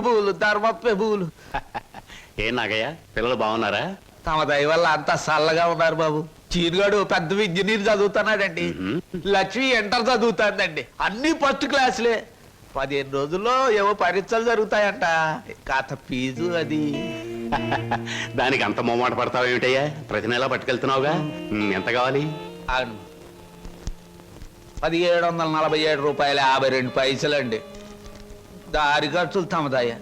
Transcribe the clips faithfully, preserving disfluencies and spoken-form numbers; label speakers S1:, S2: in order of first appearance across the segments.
S1: పెబులు ధర్మ పెబులు.
S2: ఏ నాగయ్య, పిల్లలు బాగున్నారా?
S1: తమ దయ వల్ల అంతా చల్లగా ఉన్నారు బాబు. చీరుగాడు పెద్ద ఇంజనీర్ చదువుతున్నాడండి. లక్ష్మి ఇంటర్ చదువుతాందండి. అన్ని ఫస్ట్ క్లాసులే. పదిహేను రోజుల్లో ఏవో పరీక్షలు జరుగుతాయంట. కాత ఫీజు అది.
S2: దానికి అంత మొమ్మాట పడతావు ఏమిటయ్యా? ప్రతి నెలా పట్టుకెళ్తున్నావుగా. ఎంత కావాలి?
S1: అవును, పదిహేడు వందల నలభై ఏడు రూపాయల యాభై రెండు పైసలండి. దారి ఖర్చులు తమదయ్యా.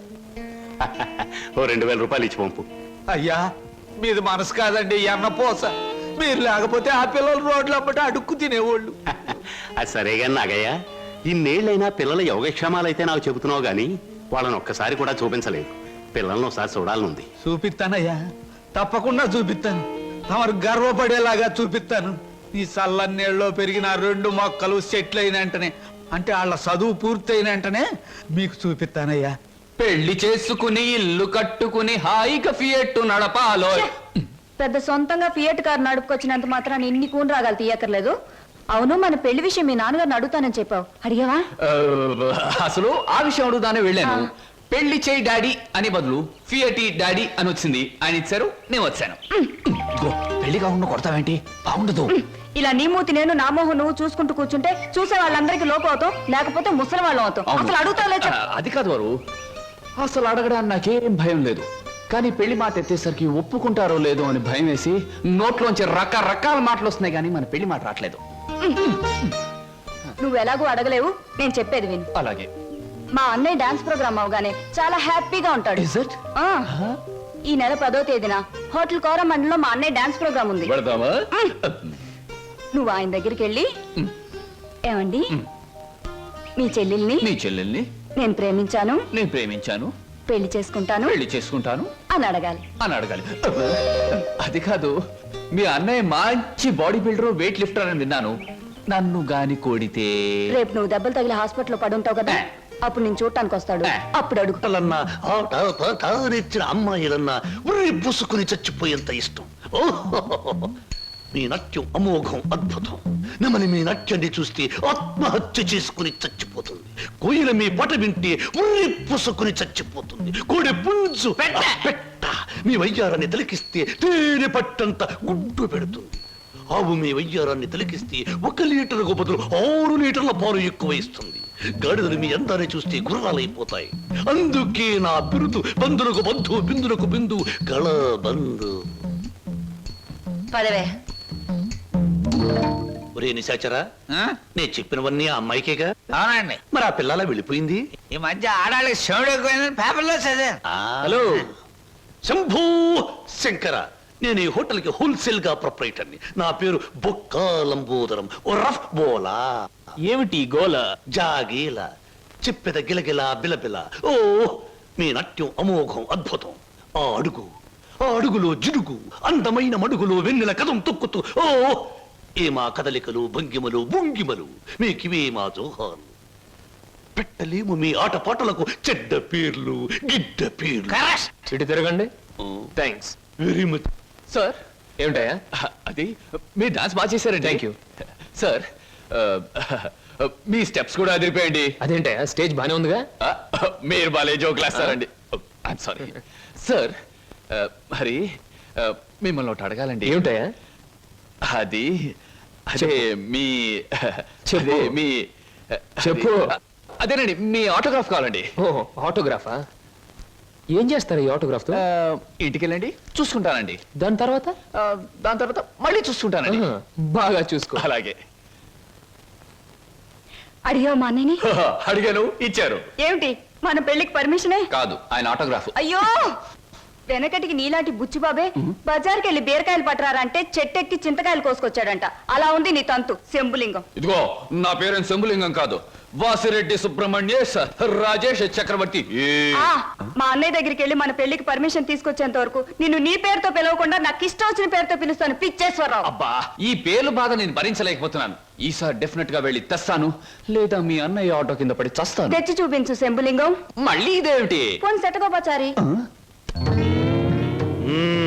S2: ఓ రెండు వేల రూపాయలు ఇచ్చి పంపు.
S1: అయ్యా, మీది మనసు కాదండి, ఎన్న పోస. మీరు లేకపోతే ఆ పిల్లలు రోడ్లు అమ్మట అడుక్కు తినేవాళ్ళు.
S2: అది సరేగా నాగయ్య, ఇన్నేళ్ళైనా పిల్లల యోగక్షేమాలైతే నాకు చెబుతున్నావు గాని వాళ్ళని ఒక్కసారి కూడా చూపించలేదు. పిల్లల్ని ఒకసారి చూడాలనుంది.
S1: చూపిస్తానయ్యా, తప్పకుండా చూపిస్తాను. తమరు గర్వపడేలాగా చూపిస్తాను. ఈ చల్లన్నేళ్ళలో పెరిగిన రెండు మొక్కలు సెటిల్ అయిన వెంటనే, అంటే వాళ్ళ చదువు పూర్తయిన వెంటనే మీకు చూపిస్తానయ్యా.
S3: పెళ్లి చేసుకుని ఇల్లు కట్టుకుని హాయిగా ఫియట్ నడపాలో.
S4: పెద్ద సొంతంగా ఫియట్ కారు నడుపుకొచ్చినంత మాత్రాన్ని ఇన్ని కూని రాగాలు తీయక్కర్లేదు. అవును, మన పెళ్లి విషయం మీ నాన్నగారిని అడుగుతానని చెప్పావు, అడిగావా?
S3: అసలు ఆ విషయం అడుగుదానే వెళ్ళాను. పెళ్లి చేయి డాడీ అని బదులు ఫియటి డాడీ అని వచ్చింది. ఆయన ఇచ్చారు, నేను వచ్చాను. పెళ్లి కాకుండా కొడతావేంటి? బాగుండదు.
S4: ఇలా నీ మూతి నేను నా మోహం నువ్వు చూసుకుంటూ కూర్చుంటే చూసే వాళ్ళందరికీ లోపం అవుతాం, లేకపోతే ముసలి వాళ్ళం అవుతాం. అసలు అడుగుతావులే.
S3: అది కాదు వారు, అసలు అడగడానికి నాకేం భయం లేదు. కానీ పెళ్లి మాట ఎత్తేసరికి ఒప్పుకుంటారో లేదో అని భయం వేసి నోట్లోంచి రకరకాల మాటలు వస్తున్నాయి, కానీ మన పెళ్లి మాట రావట్లేదు.
S4: నువ్వు ఎలాగో అడగలేవు, నేను చెప్పేది విను.
S3: అలాగే.
S4: మా అన్నయ్య డాన్స్ ప్రోగ్రామ్ అవగానే చాలా హ్యాపీగా ఉంటాడు. ఆ, ఈ నెల పదో తేదీన హోటల్ కోరమండలో మా అన్నయ్య డాన్స్ ప్రోగ్రామ్ ఉంది. నువ్వు ఆయన దగ్గరికి వెళ్ళి, ఏమండి మీ చెల్లెల్ని
S3: మీ చెల్లెల్ని
S4: నేను ప్రేమించాను
S3: నేను ప్రేమించాను
S4: పెళ్లి చేసుకుంటాను
S3: పెళ్లి చేసుకుంటాను
S4: అని అడగాలి
S3: అని అడగాలి. అది కాదు, మీ అన్నయ్య మంచి బాడీ బిల్డర్, వెయిట్ లిఫ్టర్ అని విన్నాను. నన్ను గాని కోడితే
S4: రేపు నువ్వు దెబ్బలు తగిలి హాస్పిటల్లో పడుంటావు కదా, అప్పుడు నేను చూడటానికి వస్తాడు. అప్పుడు అడుగు.
S5: అమ్మాయిలన్నా ఉర్రి పుసుకుని చచ్చిపోయేంత ఇష్టం. మీ నట్యం అమోఘం, అద్భుతం. నమని మీ నట్యాన్ని చూస్తే ఆత్మహత్య చేసుకుని చచ్చిపోతుంది. కోయిల మీ పట వింటే ఉర్రి పుసుకుని చచ్చిపోతుంది. కోడి పుంజు పెట్ట మీ వయ్యారాన్ని తిలకిస్తే తేనె పట్టంత గుడ్డు పెడుతుంది. ఆవు మీ వయ్యారాన్ని తిలకిస్తే ఒక లీటర్కు బదులు ఆరు లీటర్ల పాలు ఎక్కువ ఇస్తుంది. గాడిదలు మీ అందాన్ని చూస్తే గుర్రాలైపోతాయి. అందుకే నా బిరుదు బంధులకు బంధు, బిందులకు బిందు, గళ బంధు.
S4: పదవే.
S5: ఒరే నిశాచరా, నేను చెప్పినవన్నీ ఆ అమ్మాయికేగా?
S1: అవునండి.
S5: మరి ఆ పిల్లల వెళ్ళిపోయింది.
S1: ఈ మధ్య ఆడాళ్ళకి శివుడు ఎక్కువైందని పేపర్లో చదివాను.
S5: హలో శంభూ శంకర, నేను ఈ హోటల్ కి హోల్సేల్ గా ప్రొపరేటర్ని. నా పేరు బొక్కాలంబోదరం, ఓ రఫ్ బోలా.
S3: ఏమిటి గోల?
S5: జాగీల చెప్పెద గిలగిల బిలబిల. ఓ మీ నట్యం అమోఘం, అద్భుతం. ఆ అడుగు, ఆ అడుగులో జిడుగు, అందమైన మడుగులో వెన్నెల కదం తొక్కుతూ. ఓ ఏ మా కదలికలు, భంగిమలు, భుంగిమలు, మీకివే మా జోహాలు. పెట్టలేము మీ ఆటపాటలకు చెడ్డ పేర్లు, గిడ్డ పేర్లు.
S3: ఇటు తిరగండి. Thanks
S5: very much
S3: sir. ఏమిటయా అది? మీరు డాన్స్ బాగా చేశారండి. Thank you sir. మీ స్టెప్స్ కూడా అదిరిపోయండి.
S6: అదేంటయా, స్టేజ్ బానే ఉందిగా.
S3: మీరు బాలే జోకులు వేస్తారండి. I'm sorry sir. మరి మిమ్మల్ని ఒకటి అడగాలండి.
S6: ఏమిటయా?
S3: అది అదే మీ
S6: చెప్పు.
S3: మీ
S6: చెప్పు.
S3: అదేనండి, మీ ఆటోగ్రాఫ్ కావాలండి.
S6: ఓ ఆటోగ్రాఫా? ఏం చేస్తారు ఈ ఆటోగ్రాఫ్ తో?
S3: ఇంటికి వెళ్ళండి, చూసుకుంటానండి.
S6: దాని తర్వాత
S3: దాని తర్వాత మళ్ళీ చూసుకుంటానండి.
S6: బాగా చూసుకో.
S3: అలాగే.
S4: అడిగావు మా అన్నయ్యని?
S3: అడిగాను, ఇచ్చారు.
S4: ఏమిటి, మన పెళ్లికి పర్మిషనే?
S3: కాదు, ఆయన ఆటోగ్రాఫ్.
S4: అయ్యో, వెనకటికి నీలాంటి బుచ్చిబాబే బజార్కి వెళ్ళి బీరకాయలు పట్టరారంటే చెట్టెక్కి చింతకాయలు కోసుకొచ్చాడంట. అలా ఉంది నీ తంతు శంభులింగం.
S3: ఇదిగో, నా పేరు శంభులింగం కాదు, వాసిరెడ్డి సుబ్రహ్మణ్యేశ్ రాజేష్ చక్రవర్తి.
S4: ఆ, మా అన్నయ్య దగ్గరికి వెళ్ళి మన పెళ్లికి పర్మిషన్ తీసుకొచ్చేంత వరకు నిన్ను నీ పేరుతో పిలవకుండా నాకు ఇష్టం వచ్చిన పేరుతో పిలుస్తాను, పిచ్చేశ్వరరావు.
S3: అబ్బా, ఈ పేర్లు బాధ నేను భరించలేకపోతున్నాను. ఈసారి డెఫినెట్ గా వెళ్ళి తెస్తాను, లేదా మీ అన్నయ్య ఆటో కింద పడి చస్తాను.
S4: తెచ్చి చూపించు శంభులింగం.
S3: మళ్ళీ ఇదేమిటి?
S4: పోని సెటకోపచారి.
S5: మ్మ్.